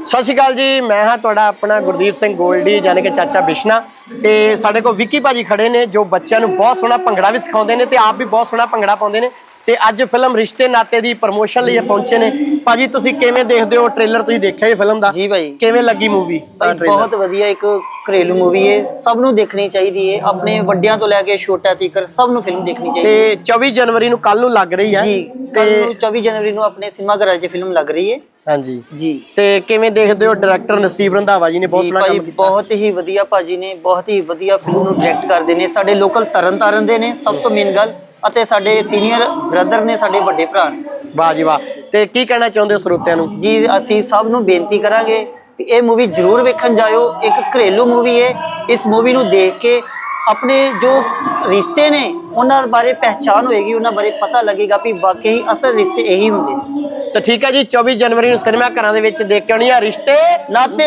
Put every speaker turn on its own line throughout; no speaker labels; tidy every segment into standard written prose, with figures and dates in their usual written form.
सत श्री अकाल जी, मैं हाँ तुहाडा अपना गुरदीप सिंह गोल्डी यानी कि चाचा बिश्ना। तो साढ़े को विक्की भाजी खड़े ने जो बच्चों को बहुत सोहना भंगड़ा भी सिखाते हैं, तो आप भी बहुत सोहना भंगड़ा पाते हैं। तो अज फिल्म रिश्ते नाते की प्रमोशन लिए पहुंचे ने। भाजी तुसीं किवें देखदे हो ट्रेलर? तुसीं देखिया जी फिल्म दा?
जी भाई,
किवें लगी मूवी?
बहुत वधिया एक घरेलू मूवी है, सब नूं देखनी चाहिए है, अपने वड्डियां तो लैके छोटा तक सब नूं फिल्म देखनी चाहिए।
ते 24 जनवरी नूं कल नूं लग रही है
जी, कल 24 जनवरी नूं अपने सिनेमा घर च फिल्म लग रही है।
हाँ जी
जी।
ते किवें देखदे हो? डायरैक्टर नसीब रंधावा जी ने बहुत सोहना काम कीता।
बहुत ही वधिया भाजी ने बहुत ही वधिया फिल्म नूं डायरैक्ट करदे ने। साडे लोकल तरन ताਰਨ दे ने सब तो मेन गल, ਅਤੇ ਸਾਡੇ ਸੀਨੀਅਰ ਬ੍ਰਦਰ ਨੇ, ਸਾਡੇ ਵੱਡੇ ਭਰਾ ਨੇ।
ਵਾਹ ਜੀ ਵਾਹ। ਤੇ ਕੀ ਕਹਿਣਾ ਚਾਹੁੰਦੇ ਹੋ ਸਰੋਤਿਆਂ ਨੂੰ?
ਜੀ ਅਸੀਂ ਸਭ ਨੂੰ ਬੇਨਤੀ ਕਰਾਂਗੇ ਕਿ ਇਹ ਮੂਵੀ ਜ਼ਰੂਰ ਵੇਖਣ ਜਾਇਓ। ਇੱਕ ਘਰੇਲੂ ਮੂਵੀ ਹੈ। ਇਸ ਮੂਵੀ ਨੂੰ ਦੇਖ ਕੇ ਆਪਣੇ ਜੋ ਰਿਸ਼ਤੇ ਨੇ ਉਹਨਾਂ ਬਾਰੇ ਪਹਿਚਾਨ ਹੋਏਗੀ, ਉਹਨਾਂ ਬਾਰੇ ਪਤਾ ਲੱਗੇਗਾ ਕਿ ਵਾਕਈ ਅਸਲ ਰਿਸ਼ਤੇ ਇਹੀ ਹੁੰਦੇ ਨੇ।
ਤਾਂ ਠੀਕ ਹੈ ਜੀ, 24 ਜਨਵਰੀ ਨੂੰ ਸਿਨੇਮਾ ਘਰਾਂ ਦੇ ਵਿੱਚ ਦੇਖ ਕੇ ਆਉਣੀ ਆ ਰਿਸ਼ਤੇ
ਨਾਤੇ।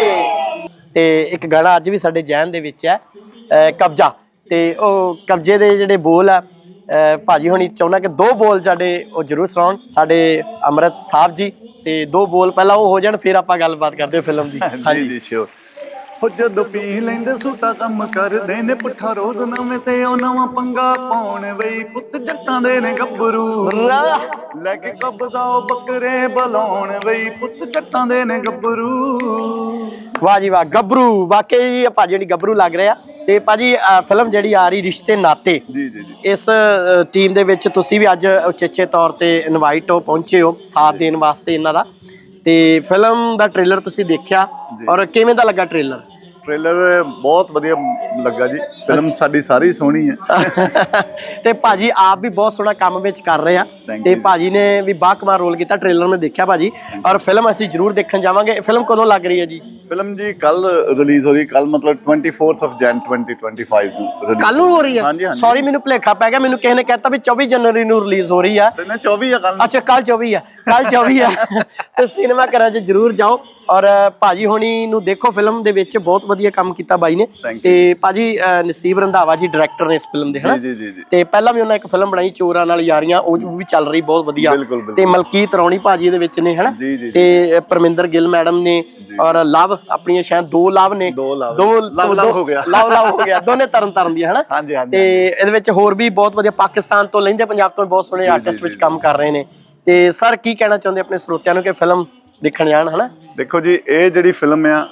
ਤੇ ਇੱਕ ਗਾਣਾ ਅੱਜ ਵੀ ਸਾਡੇ ਜਹਿਨ ਦੇ ਵਿੱਚ ਹੈ, ਕਬਜ਼ਾ। ਤੇ ਉਹ ਕਬਜ਼ੇ ਦੇ ਜਿਹੜੇ ਬੋਲ ਆ ਭਾਜੀ ਹੁਣੀ ਚਾਹੁੰਦਾ ਕਿ 2 ਬੋਲ ਸਾਡੇ ਉਹ ਜ਼ਰੂਰ ਸੁਣਾਉਣ ਸਾਡੇ ਅੰਮ੍ਰਿਤ ਸਾਹਿਬ ਜੀ। ਤੇ 2 ਬੋਲ ਪਹਿਲਾਂ ਉਹ ਹੋ ਜਾਣ, ਫਿਰ ਆਪਾਂ ਗੱਲਬਾਤ ਕਰਦੇ ਫਿਲਮ ਦੀ।
ਹਾਂਜੀ ਜੀ ਸ਼ੋਰ। ਹੋ ਜਦੋਂ ਪੀ ਲੈਂਦੇ ਸੂਟਾ ਕੰਮ ਕਰਦੇ ਨੇ ਪੁੱਠਾ ਰੋਜ਼ ਨਵੇਂ ਤੇ ਉਹ ਨਵਾਂ ਪੰਗਾ ਪਾਉਣ ਬਈ ਪੁੱਤ ਜੱਟਾਂ ਦੇ ਨੇ ਗੱਭਰੂ ਲੈ ਕੇ ਕਬਜ਼ਾਓ ਬੱਕਰੇ ਬਲਾਉਣ ਬਈ ਪੁੱਤ ਜੱਟਾਂ ਦੇ ਨੇ ਗੱਭਰੂ।
ਵਾਹ ਜੀ ਵਾਹ, ਗੱਭਰੂ ਵਾਕਈ ਭਾਜੀ ਜਿਹੜੀ ਗੱਭਰੂ ਲੱਗ ਰਿਹਾ। ਤੇ ਭਾਜੀ ਫਿਲਮ ਜਿਹੜੀ ਆ ਰਹੀ ਰਿਸ਼ਤੇ ਨਾਤੇ,
ਜੀ ਜੀ ਜੀ,
ਇਸ ਟੀਮ ਦੇ ਵਿੱਚ ਤੁਸੀਂ ਵੀ ਅੱਜ ਉਚੇਚੇ ਤੌਰ ਤੇ ਇਨਵਾਈਟ ਹੋ, ਪਹੁੰਚੇ ਹੋ ਸਾਥ ਦੇਣ ਵਾਸਤੇ ਇਹਨਾਂ ਦਾ। ਤੇ ਫਿਲਮ ਦਾ ਟ੍ਰੇਲਰ ਤੁਸੀਂ ਦੇਖਿਆ ਔਰ ਕਿਵੇਂ ਦਾ ਲੱਗਾ ਟ੍ਰੇਲਰ?
ਟ੍ਰੇਲਰ ਬਹੁਤ ਵਧੀਆ ਲੱਗਾ ਜੀ। ਫਿਲਮ ਸਾਡੀ ਸਾਰੀ ਸੋਹਣੀ ਹੈ।
ਤੇ ਭਾਜੀ ਆਪ ਵੀ ਬਹੁਤ ਸੋਹਣਾ ਕੰਮ ਵਿੱਚ ਕਰ ਰਹੇ ਆ ਤੇ ਭਾਜੀ ਨੇ ਵੀ ਬਾਕਮਾਲ ਰੋਲ ਕੀਤਾ। ਟ੍ਰੇਲਰ ਮੈਂ ਦੇਖਿਆ ਭਾਜੀ, ਔਰ ਫਿਲਮ ਅਸੀਂ ਜ਼ਰੂਰ ਦੇਖਣ ਜਾਵਾਂਗੇ। ਫਿਲਮ ਕਦੋਂ ਲੱਗ ਰਹੀ ਹੈ ਜੀ?
ਫਿਲਮ ਜੀ ਕੱਲ ਰਿਲੀਜ਼ ਹੋ ਰਹੀ, ਕੱਲ ਮਤਲਬ 24th of Jan 2025 ਨੂੰ ਰਿਲੀਜ਼।
ਕੱਲ ਨੂੰ ਹੋ ਰਹੀ ਹੈ?
ਹਾਂਜੀ ਹਾਂਜੀ।
ਸੌਰੀ ਮੈਨੂੰ ਭੁਲੇਖਾ ਪੈ ਗਿਆ, ਮੈਨੂੰ ਕਿਸੇ ਨੇ ਕਹਿਤਾ ਵੀ 24 ਜਨਵਰੀ ਨੂੰ ਰਿਲੀਜ਼ ਹੋ ਰਹੀ ਆ।
24 ਆ ਕੱਲ।
ਅੱਛਾ ਕੱਲ 24 ਆ, ਕੱਲ 24 ਆ। ਤੇ ਸਿਨੇਮਾ ਘਰਾਂ 'ਚ ਜ਼ਰੂਰ ਜਾਓ ਔਰ ਭਾਜੀ ਹੋਣੀ ਨੂੰ ਦੇਖੋ। ਫਿਲਮ ਦੇ ਵਿੱਚ ਬਹੁਤ ਵਧੀਆ ਕੰਮ ਕੀਤਾ ਬਾਈ ਨੇ। ਤੇ ਭਾਜੀ ਨਸੀਬ ਰੰਧਾਵਾ ਜੀ ਡਾਇਰੈਕਟਰ ਨੇ ਇਸ ਫਿਲਮ ਦੇ, ਹਨਾ? ਤੇ ਪਹਿਲਾਂ ਵੀ ਉਹਨਾਂ ਇੱਕ ਫਿਲਮ ਬਣਾਈ ਚੋਰਾਂ ਨਾਲ ਯਾਰੀਆਂ, ਉਹ ਵੀ ਚੱਲ ਰਹੀ ਬਹੁਤ ਵਧੀਆ। ਤੇ ਮਲਕੀਤ ਰੌਣੀ ਭਾਜੀ ਇਹਦੇ ਵਿੱਚ ਨੇ, ਹਨਾ? ਤੇ ਪਰਮਿੰਦਰ ਗਿੱਲ ਮੈਡਮ ਨੇ ਔਰ ਲਵ ਆਪਣੀਆਂ ਸ਼ਾਇਦ 2 ਲਵ ਨੇ, ਲਵ ਹੋ ਗਿਆ ਦੋਨੇ ਤਰਨ ਦੀਆਂ, ਹਨਾ? ਤੇ ਇਹਦੇ ਵਿੱਚ ਹੋਰ ਵੀ ਬਹੁਤ ਵਧੀਆ ਪਾਕਿਸਤਾਨ ਤੋਂ ਲੈਂਦੇ ਪੰਜਾਬ ਤੋਂ ਬਹੁਤ ਸੋਹਣੇ ਆਰਟਿਸਟ ਵਿੱਚ ਕੰਮ ਕਰ ਰਹੇ ਨੇ। ਤੇ ਸਰ ਕੀ ਕਹਿਣਾ ਚਾਹੁੰਦੇ ਆਪਣੇ ਸਰੋਤਿਆਂ ਨੂੰ ਕਿ ਫਿਲਮ ਦੇਖਣ ਜਾਣ, ਹਨਾ?
ਦੇਖੋ ਜੀ, ਇਹ ਜਿਹੜੀ ਫਿਲਮ ਆ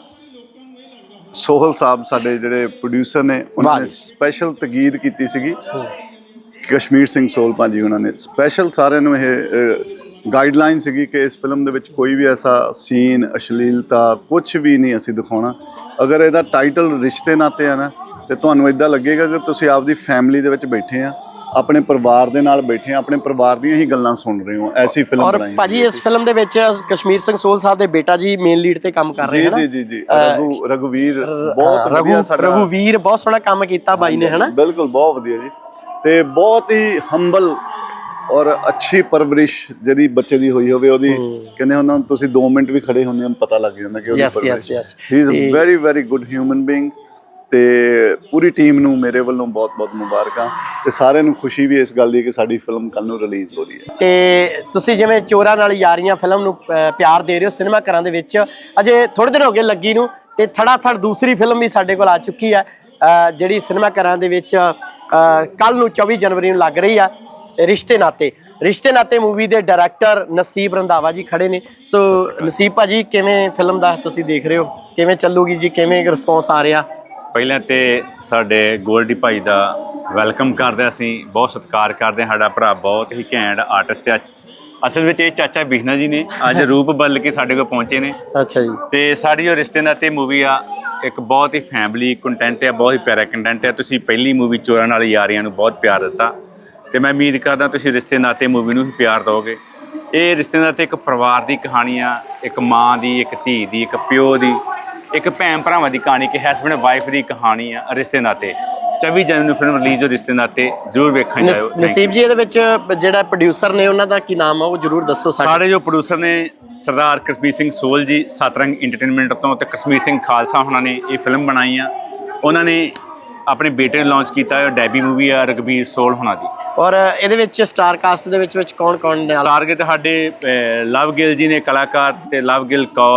ਸੋਹਲ ਸਾਹਿਬ ਸਾਡੇ ਜਿਹੜੇ ਪ੍ਰੋਡਿਊਸਰ ਨੇ, ਉਹਨਾਂ ਨੇ ਸਪੈਸ਼ਲ ਤਕੀਦ ਕੀਤੀ ਸੀਗੀ। ਕਸ਼ਮੀਰ ਸਿੰਘ ਸੋਹਲ ਭਾਜੀ ਉਹਨਾਂ ਨੇ ਸਪੈਸ਼ਲ ਸਾਰਿਆਂ ਨੂੰ ਇਹ ਗਾਈਡਲਾਈਨ ਸੀਗੀ ਕਿ ਇਸ ਫਿਲਮ ਦੇ ਵਿੱਚ ਕੋਈ ਵੀ ਐਸਾ ਸੀਨ, ਅਸ਼ਲੀਲਤਾ ਕੁਝ ਵੀ ਨਹੀਂ ਅਸੀਂ ਦਿਖਾਉਣਾ। ਅਗਰ ਇਹਦਾ ਟਾਈਟਲ ਰਿਸ਼ਤੇ ਨਾਤੇ ਆ ਨਾ, ਤੇ ਤੁਹਾਨੂੰ ਇਦਾਂ ਲੱਗੇਗਾ ਕਿ ਤੁਸੀਂ ਆਪਦੀ ਫੈਮਿਲੀ ਦੇ ਵਿੱਚ ਬੈਠੇ ਆ, ਆਪਣੇ ਪਰਿਵਾਰ ਦੇ ਨਾਲ ਬੈਠੇ ਆ, ਆਪਣੇ ਪਰਿਵਾਰ ਦੀਆਂ ਹੀ ਗੱਲਾਂ ਸੁਣ ਰਹੇ ਹੋ। ਐਸੀ ਫਿਲਮ ਬਣਾਈ।
ਔਰ ਭਾਜੀ ਇਸ ਫਿਲਮ ਦੇ ਵਿੱਚ ਕਸ਼ਮੀਰ ਸਿੰਘ ਸੋਹਲ ਸਾਹਿਬ ਦੇ ਬੇਟਾ ਜੀ ਮੇਨ ਲੀਡ ਤੇ ਕੰਮ ਕਰ ਰਹੇ ਹਨ।
ਜੀ ਜੀ ਜੀ, ਰਘੁਵੀਰ ਬਹੁਤ ਵਧੀਆ ਸਾਡਾ।
ਰਘੁਵੀਰ ਬਹੁਤ ਸੋਹਣਾ ਕੰਮ ਕੀਤਾ ਬਾਈ ਨੇ, ਹਨਾ?
ਬਿਲਕੁਲ ਬਹੁਤ ਵਧੀਆ ਜੀ। ਤੇ ਬਹੁਤ ਹੀ ਹੰਬਲ ਔਰ ਅੱਛੀ ਪਰਵਰਿਸ਼ ਜਿਹੜੀ ਬੱਚੇ ਦੀ ਹੋਈ ਹੋਵੇ, ਉਹਦੀ ਕਹਿੰਦੇ ਉਹਨਾਂ ਨੂੰ ਤੁਸੀਂ 2 ਮਿੰਟ ਵੀ ਖੜੇ ਹੁੰਦੇ ਹੋ ਪਤਾ ਲੱਗ ਜਾਂਦਾ ਕਿ ਉਹਦੀ ਪਰਵਰਿਸ਼। He is a very very good human being. ਤੇ ਪੂਰੀ ਟੀਮ ਨੂੰ ਮੇਰੇ ਵੱਲੋਂ ਬਹੁਤ ਬਹੁਤ ਮੁਬਾਰਕਾਂ। ਤੇ ਸਾਰਿਆਂ ਨੂੰ ਖੁਸ਼ੀ ਵੀ ਇਸ ਗੱਲ ਦੀ ਕਿ ਸਾਡੀ ਫਿਲਮ ਕੱਲ ਨੂੰ ਰਿਲੀਜ਼ ਹੋ ਰਹੀ ਹੈ।
ਤੇ ਤੁਸੀਂ ਜਿਵੇਂ ਚੋਰਾਂ ਨਾਲ ਯਾਰੀਆਂ ਫਿਲਮ ਨੂੰ ਪਿਆਰ ਦੇ ਰਹੇ ਹੋ ਸਿਨੇਮਾ ਘਰਾਂ ਦੇ ਵਿੱਚ, ਅਜੇ ਥੋੜੇ ਦਿਨ ਹੋ ਗਏ ਲੱਗੀ ਨੂੰ, ਤੇ ਥੜਾ ਥੜ ਦੂਸਰੀ ਫਿਲਮ ਵੀ ਸਾਡੇ ਕੋਲ ਆ ਚੁੱਕੀ ਹੈ ਜਿਹੜੀ ਸਿਨੇਮਾ ਘਰਾਂ ਦੇ ਵਿੱਚ ਕੱਲ ਨੂੰ 24 ਜਨਵਰੀ ਨੂੰ ਲੱਗ ਰਹੀ ਆ, ਰਿਸ਼ਤੇ ਨਾਤੇ। ਰਿਸ਼ਤੇ ਨਾਤੇ ਮੂਵੀ ਦੇ ਡਾਇਰੈਕਟਰ ਨਸੀਬ ਰੰਧਾਵਾ ਜੀ ਖੜੇ ਨੇ। ਸੋ ਨਸੀਬ ਭਾਜੀ ਕਿਵੇਂ ਫਿਲਮ ਦਾ ਤੁਸੀਂ ਦੇਖ ਰਹੇ ਹੋ, ਕਿਵੇਂ ਚੱਲੂਗੀ ਜੀ, ਕਿਵੇਂ ਰਿਸਪੌਂਸ ਆ ਰਿਹਾ?
ਪਹਿਲਾਂ ਤੇ ਸਾਡੇ ਗੋਲਡੀ ਭਾਈ ਦਾ ਵੈਲਕਮ ਕਰਦੇ, ਅਸੀਂ ਬਹੁਤ ਸਤਿਕਾਰ ਕਰਦੇ ਹਾਂ। ਸਾਡਾ ਭਰਾ ਬਹੁਤ ਹੀ ਘੈਂਟ ਆਰਟਿਸਟ ਹੈ। ਅਸਲ ਵਿੱਚ ਇਹ ਚਾਚਾ ਬਿਸ਼ਨਾ ਜੀ ਨੇ ਅੱਜ ਰੂਪ ਬਦਲ ਕੇ ਸਾਡੇ ਕੋਲ ਪਹੁੰਚੇ ਨੇ। ਅੱਛਾ ਜੀ। ਤੇ ਸਾਡੀ ਜੋ ਰਿਸ਼ਤੇ ਨਾਤੇ ਮੂਵੀ ਆ, ਇੱਕ ਬਹੁਤ ਹੀ ਫੈਮਿਲੀ ਕੰਟੈਂਟ ਹੈ, ਬਹੁਤ ਹੀ ਪਿਆਰਾ ਕੰਟੈਂਟ ਹੈ। ਤੁਸੀਂ ਪਹਿਲੀ ਮੂਵੀ ਚੋਰਾਂ ਨਾਲ ਯਾਰੀਆਂ ਨੂੰ ਬਹੁਤ ਪਿਆਰ ਦਿੱਤਾ, ਤੇ ਮੈਂ ਉਮੀਦ ਕਰਦਾ ਤੁਸੀਂ ਰਿਸ਼ਤੇ ਨਾਤੇ ਮੂਵੀ ਨੂੰ ਵੀ ਪਿਆਰ ਦਿਓਗੇ। ਇਹ ਰਿਸ਼ਤੇ ਨਾਤੇ ਇੱਕ ਪਰਿਵਾਰ ਦੀ ਕਹਾਣੀ ਆ, ਇੱਕ ਮਾਂ ਦੀ, ਇੱਕ ਧੀ ਦੀ, ਇੱਕ ਪਿਓ ਦੀ, ਇੱਕ ਭੈਣ ਭਰਾਵਾਂ ਦੀ ਕਹਾਣੀ, ਕਿ ਹਸਬੈਂਡ ਵਾਈਫ ਦੀ ਕਹਾਣੀ ਆ ਰਿਸ਼ਤੇ ਨਾਤੇ। 24 ਜਨਵਰੀ ਨੂੰ ਫਿਲਮ ਰਿਲੀਜ਼ ਹੋ ਰਿਸ਼ਤੇ ਨਾਤੇ, ਜ਼ਰੂਰ ਵੇਖਣ ਜਾਇਓ।
ਨਸੀਬ ਜੀ ਇਹਦੇ ਵਿੱਚ ਜਿਹੜਾ ਪ੍ਰੋਡਿਊਸਰ ਨੇ ਉਹਨਾਂ ਦਾ ਕੀ ਨਾਮ ਆ, ਉਹ ਜ਼ਰੂਰ ਦੱਸੋ।
ਸਾਰੇ ਜੋ ਪ੍ਰੋਡਿਊਸਰ ਨੇ ਸਰਦਾਰ ਕਸ਼ਮੀਰ ਸਿੰਘ ਸੋਹਲ ਜੀ ਸਤਰੰਗ ਇੰਟਰਟੇਨਮੈਂਟ ਤੋਂ, ਤੇ ਕਸ਼ਮੀਰ ਸਿੰਘ ਖਾਲਸਾ ਉਹਨਾਂ ਨੇ ਇਹ ਫਿਲਮ ਬਣਾਈ ਆ। ਉਹਨਾਂ ਨੇ ਆਪਣੇ ਬੇਟੇ ਨੇ ਲਾਂਚ ਕੀਤਾ ਹੈ, ਡੈਬੀ ਮੂਵੀ ਆ ਰਘਬੀਰ ਸੋਹਲ ਹੋਣਾ ਦੀ।
ਔਰ ਇਹਦੇ ਵਿੱਚ ਸਟਾਰ ਕਾਸਟ ਦੇ ਵਿੱਚ ਕੌਣ ਕੌਣ ਨੇ?
ਸਟਾਰ ਕੇ ਸਾਡੇ ਲਵ ਗਿੱਲ ਜੀ ਨੇ ਕਲਾਕਾਰ, ਤੇ ਲਵ ਗਿੱਲ ਕੌਰ,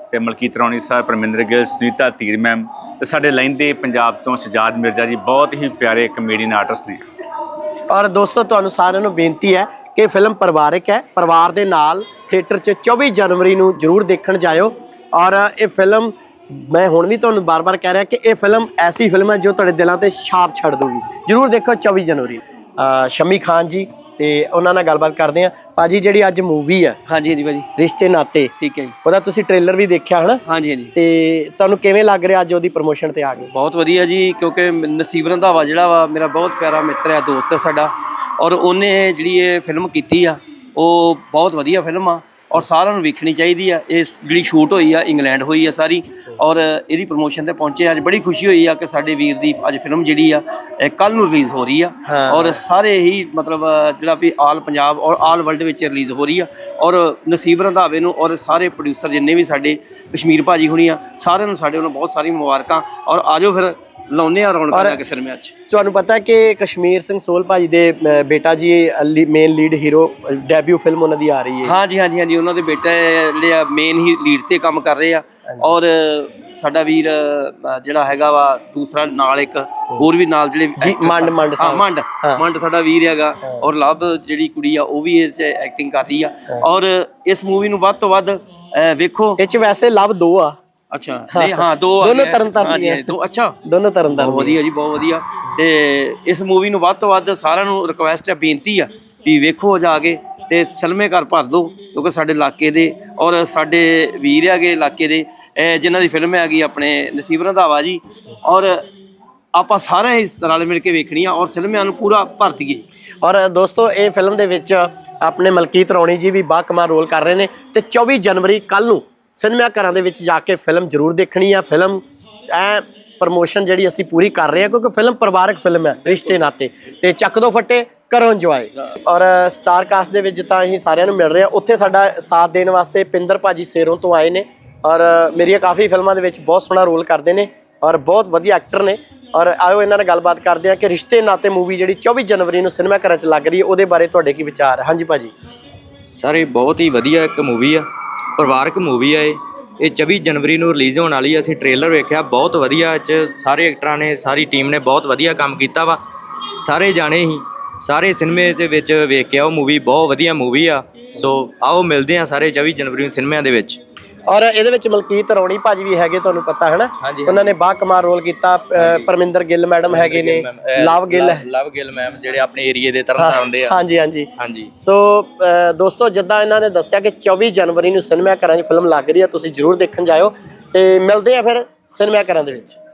ਤੇ ਮਲਕੀਤ ਰੌਣੀ ਸਰ, ਪਰਮਿੰਦਰ ਗਿੱਲ, ਸੁਨੀਤਾ ਧੀਰ ਮੈਮ ਤੇ ਸਾਡੇ ਲਹਿੰਦੇ ਪੰਜਾਬ ਤੋਂ ਸਜਾਦ ਮਿਰਜ਼ਾ ਜੀ, ਬਹੁਤ ਹੀ ਪਿਆਰੇ ਕਮੇਡੀਅਨ ਆਰਟਿਸਟ ਨੇ।
ਔਰ ਦੋਸਤੋ ਤੁਹਾਨੂੰ ਸਾਰਿਆਂ ਨੂੰ ਬੇਨਤੀ ਹੈ ਕਿ ਫਿਲਮ ਪਰਿਵਾਰਿਕ ਹੈ, ਪਰਿਵਾਰ ਦੇ ਨਾਲ ਥੀਏਟਰ 'ਚ 24 ਜਨਵਰੀ ਨੂੰ ਜ਼ਰੂਰ ਦੇਖਣ ਜਾਇਓ। ਔਰ ਇਹ ਫਿਲਮ ਮੈਂ ਹੁਣ ਵੀ ਤੁਹਾਨੂੰ ਬਾਰ-ਬਾਰ ਕਹਿ ਰਿਹਾ ਕਿ ਇਹ ਫਿਲਮ ਐਸੀ ਫਿਲਮ ਹੈ ਜੋ ਤੁਹਾਡੇ ਦਿਲਾਂ ਤੇ ਛਾਪ ਛੱਡ ਦੂਗੀ। ਜ਼ਰੂਰ ਦੇਖੋ 24 ਜਨਵਰੀ। ਸ਼ਮੀ ਖਾਨ ਜੀ ਤੇ ਉਹਨਾਂ ਨਾਲ ਗੱਲਬਾਤ ਕਰਦੇ ਆ। ਭਾਜੀ ਜਿਹੜੀ ਅੱਜ ਮੂਵੀ ਹੈ
ਹਾਂਜੀ ਹਾਂਜੀ ਭਾਜੀ,
ਰਿਸ਼ਤੇ ਨਾਤੇ,
ਠੀਕ ਹੈ ਜੀ।
ਉਹਦਾ ਤੁਸੀਂ ਟ੍ਰੇਲਰ ਵੀ ਦੇਖਿਆ ਹਨਾ?
ਹਾਂਜੀ ਹਾਂਜੀ,
ਤੇ ਤੁਹਾਨੂੰ ਕਿਵੇਂ ਲੱਗ ਰਿਹਾ ਅੱਜ ਉਹਦੀ ਪ੍ਰਮੋਸ਼ਨ ਤੇ ਆ ਗਏ?
ਬਹੁਤ ਵਧੀਆ ਜੀ, ਕਿਉਂਕਿ ਨਸੀਬ ਰੰਧਾਵਾ ਜਿਹੜਾ ਵਾ ਮੇਰਾ ਬਹੁਤ ਪਿਆਰਾ ਮਿੱਤਰ ਹੈ, ਦੋਸਤ ਹੈ ਸਾਡਾ, ਔਰ ਉਹਨੇ ਜਿਹੜੀ ਇਹ ਫਿਲਮ ਕੀਤੀ ਆ ਉਹ ਬਹੁਤ ਵਧੀਆ ਫਿਲਮ ਆ ਔਰ ਸਾਰਿਆਂ ਨੂੰ ਵੇਖਣੀ ਚਾਹੀਦੀ ਆ। ਇਹ ਜਿਹੜੀ ਸ਼ੂਟ ਹੋਈ ਆ ਇੰਗਲੈਂਡ ਹੋਈ ਆ ਸਾਰੀ, ਔਰ ਇਹਦੀ ਪ੍ਰਮੋਸ਼ਨ ਤੇ ਪਹੁੰਚੇ। ਅੱਜ ਬੜੀ ਖੁਸ਼ੀ ਹੋਈ ਆ ਕਿ ਸਾਡੇ ਵੀਰ ਦੀ ਅੱਜ ਫਿਲਮ ਜਿਹੜੀ ਆ ਕੱਲ ਨੂੰ ਰਿਲੀਜ਼ ਹੋ ਰਹੀ ਆ ਔਰ ਸਾਰੇ ਹੀ ਮਤਲਬ ਜਿਹੜਾ ਵੀ ਆਲ ਪੰਜਾਬ ਔਰ ਆਲ ਵਰਲਡ ਵਿੱਚ ਰਿਲੀਜ਼ ਹੋ ਰਹੀ ਆ। ਔਰ ਨਸੀਬ ਰੰਧਾਵੇ ਨੂੰ ਔਰ ਸਾਰੇ ਪ੍ਰੋਡਿਊਸਰ ਜਿੰਨੇ ਵੀ ਸਾਡੇ ਕਸ਼ਮੀਰ ਭਾਜੀ ਹੁਣੀ ਆ, ਸਾਰਿਆਂ ਨੂੰ ਸਾਡੇ ਵੱਲੋਂ ਬਹੁਤ ਸਾਰੀ ਮੁਬਾਰਕਾਂ। ਔਰ ਆਜੋ ਫਿਰ ਲਾਉਂਦੇ ਆ ਰੌਣਕਾਂ ਲਾ ਕੇ ਸਿਨੇਮਾ 'ਚ।
ਤੁਹਾਨੂੰ ਪਤਾ ਕਿ ਕਸ਼ਮੀਰ ਸਿੰਘ ਸੋਲ ਭਾਜੀ ਦੇ ਬੇਟਾ ਜੀ main lead hero, debut film ਉਹਨਾਂ ਦੀ ਆ ਰਹੀ ਹੈ।
ਹਾਂਜੀ ਹਾਂਜੀ ਹਾਂਜੀ, ਉਹਨਾਂ ਦੇ ਬੇਟੇ ਜਿਹੜੇ ਆ ਮੇਨ ਹੀ ਲੀਡ ਤੇ ਕੰਮ ਕਰ ਰਹੇ ਆ। ਔਰ ਸਾਡਾ ਵੀਰ ਜਿਹੜਾ ਹੈਗਾ ਵਾ ਦੂਸਰਾ ਨਾਲ ਇੱਕ ਹੋਰ ਵੀ ਨਾਲ ਜਿਹੜੇ ਮੰਡ ਸਾਡਾ ਵੀਰ ਹੈਗਾ। ਔਰ ਲਵ ਜਿਹੜੀ ਕੁੜੀ ਆ ਉਹ ਵੀ ਇਸ 'ਚ ਐਕਟਿੰਗ ਕਰ ਰਹੀ ਆ। ਔਰ ਇਸ ਮੂਵੀ ਨੂੰ ਵੱਧ ਤੋਂ ਵੱਧ ਵੇਖੋ।
ਇਹ 'ਚ ਵੈਸੇ ਲਵ 2 ਆ।
ਅੱਛਾ, ਨਹੀਂ ਹਾਂ, ਦੋਨੋਂ ਤਰਨਤਾਰਨ ਦੋ। ਅੱਛਾ,
ਦੋਨੋਂ ਤਰਨਤਾਰਨ।
ਬਹੁਤ ਵਧੀਆ ਜੀ, ਬਹੁਤ ਵਧੀਆ। ਤੇ ਇਸ ਮੂਵੀ ਨੂੰ ਵੱਧ ਤੋਂ ਵੱਧ ਸਾਰਿਆਂ ਨੂੰ ਰਿਕੁਐਸਟ ਹੈ, ਬੇਨਤੀ ਆ ਵੀ ਵੇਖੋ ਜਾ ਕੇ ਤੇ ਸਲਮੇ ਘਰ ਭਰ ਦਿਓ, ਕਿਉਂਕਿ ਸਾਡੇ ਇਲਾਕੇ ਦੇ ਔਰ ਸਾਡੇ ਵੀਰ ਹੈਗੇ ਇਲਾਕੇ ਦੇ ਜਿਨ੍ਹਾਂ ਦੀ ਫਿਲਮ ਹੈਗੀ ਆਪਣੇ ਨਸੀਬ ਰੰਧਾਵਾ ਜੀ। ਔਰ ਆਪਾਂ ਸਾਰੇ ਹੀ ਰਲ ਮਿਲ ਕੇ ਵੇਖਣੀ ਆ ਔਰ ਸਿਨੇਮਿਆਂ ਨੂੰ ਪੂਰਾ ਭਰ ਦਈਏ।
ਔਰ ਦੋਸਤੋ ਇਹ ਫਿਲਮ ਦੇ ਵਿੱਚ ਆਪਣੇ ਮਲਕੀਤ ਰੌਣੀ ਜੀ ਵੀ ਬਾਕਮਾਲ ਰੋਲ ਕਰ ਰਹੇ ਨੇ। ਤੇ 24 ਜਨਵਰੀ ਕੱਲ ਨੂੰ ਸਿਨੇਮਾ ਘਰਾਂ ਦੇ ਵਿੱਚ ਜਾ ਕੇ ਫਿਲਮ ਜ਼ਰੂਰ ਦੇਖਣੀ ਆ। ਫਿਲਮ ਪ੍ਰਮੋਸ਼ਨ ਜਿਹੜੀ ਅਸੀਂ ਪੂਰੀ ਕਰ ਰਹੇ ਹਾਂ ਕਿਉਂਕਿ ਫਿਲਮ ਪਰਿਵਾਰਕ ਫਿਲਮ ਹੈ, ਰਿਸ਼ਤੇ ਨਾਤੇ। ਤੇ ਚੱਕ ਦੋ ਫੱਟੇ, ਕਰੋ ਇੰਜੋਏ। ਔਰ ਸਟਾਰ ਕਾਸਟ ਦੇ ਵਿੱਚ ਤਾਂ ਅਸੀਂ ਸਾਰਿਆਂ ਨੂੰ ਮਿਲ ਰਹੇ ਹਾਂ। ਉੱਥੇ ਸਾਡਾ ਸਾਥ ਦੇਣ ਵਾਸਤੇ ਪਿੰਦਰ ਭਾਜੀ ਸੇਰੋਂ ਤੋਂ ਆਏ ਨੇ ਔਰ ਮੇਰੀਆਂ ਕਾਫੀ ਫਿਲਮਾਂ ਦੇ ਵਿੱਚ ਬਹੁਤ ਸੋਹਣਾ ਰੋਲ ਕਰਦੇ ਨੇ ਔਰ ਬਹੁਤ ਵਧੀਆ ਐਕਟਰ ਨੇ। ਔਰ ਆਇਓ ਇਹਨਾਂ ਨਾਲ ਗੱਲਬਾਤ ਕਰਦੇ ਹਾਂ ਕਿ ਰਿਸ਼ਤੇ ਨਾਤੇ ਮੂਵੀ ਜਿਹੜੀ 24 ਜਨਵਰੀ ਨੂੰ ਸਿਨੇਮਾ ਘਰਾਂ 'ਚ ਲੱਗ ਰਹੀ ਹੈ, ਉਹਦੇ ਬਾਰੇ ਤੁਹਾਡੇ ਕੀ ਵਿਚਾਰ ਹੈ? ਹਾਂਜੀ ਭਾਜੀ।
ਸਰ ਇਹ ਬਹੁਤ ਹੀ ਵਧੀਆ ਇੱਕ ਮੂਵੀ ਆ, ਪਰਿਵਾਰਕ ਮੂਵੀ ਆ। ਇਹ 24 ਜਨਵਰੀ ਨੂੰ ਰਿਲੀਜ਼ ਹੋਣ ਵਾਲੀ ਆ। ਅਸੀਂ ਟ੍ਰੇਲਰ ਵੇਖਿਆ, ਬਹੁਤ ਵਧੀਆ। ਇਹ 'ਚ ਸਾਰੇ ਐਕਟਰਾਂ ਨੇ, ਸਾਰੀ ਟੀਮ ਨੇ ਬਹੁਤ ਵਧੀਆ ਕੰਮ ਕੀਤਾ ਵਾ। ਸਾਰੇ ਜਾਣੇ ਹੀ ਸਾਰੇ ਸਿਨੇਮੇ ਦੇ ਵਿੱਚ ਵੇਖ ਕੇ ਆਓ ਮੂਵੀ, ਬਹੁਤ ਵਧੀਆ ਮੂਵੀ ਆ। ਸੋ ਆਓ ਮਿਲਦੇ ਆ ਸਾਰੇ 24 ਜਨਵਰੀ ਨੂੰ ਸਿਨੇਮਿਆਂ ਦੇ ਵਿੱਚ।
ਔਰ ਇਹਦੇ ਵਿੱਚ ਮਲਕੀਤ ਰੌਣੀ ਭਾਜੀ ਵੀ ਹੈਗੇ, ਤੁਹਾਨੂੰ ਪਤਾ ਹੈ ਨਾ? ਉਹਨਾਂ ਨੇ ਬਾਕਮਾਲ ਰੋਲ ਕੀਤਾ। ਪਰਮਿੰਦਰ ਗਿੱਲ ਮੈਡਮ ਹੈਗੇ ਨੇ, ਲਵ ਗਿੱਲ ਮੈਮ ਜਿਹੜੇ ਆਪਣੇ ਏਰੀਏ ਦੇ ਤਰਨਤਾਰਨ ਦੇ ਆ। ਹਾਂਜੀ ਹਾਂਜੀ ਹਾਂਜੀ। ਸੋ ਦੋਸਤੋ ਜਿੱਦਾਂ ਇਹਨਾਂ ਨੇ ਦੱਸਿਆ ਕਿ 24 ਜਨਵਰੀ ਨੂੰ ਸਿਨੇਮਾ ਘਰਾਂ 'ਚ ਫਿਲਮ ਲੱਗ ਰਹੀ ਆ, ਤੁਸੀਂ ਜ਼ਰੂਰ ਦੇਖਣ ਜਾਇਓ। ਤੇ ਮਿਲਦੇ ਆ ਫਿਰ ਸਿਨੇਮਾ ਘਰਾਂ ਦੇ ਵਿੱਚ।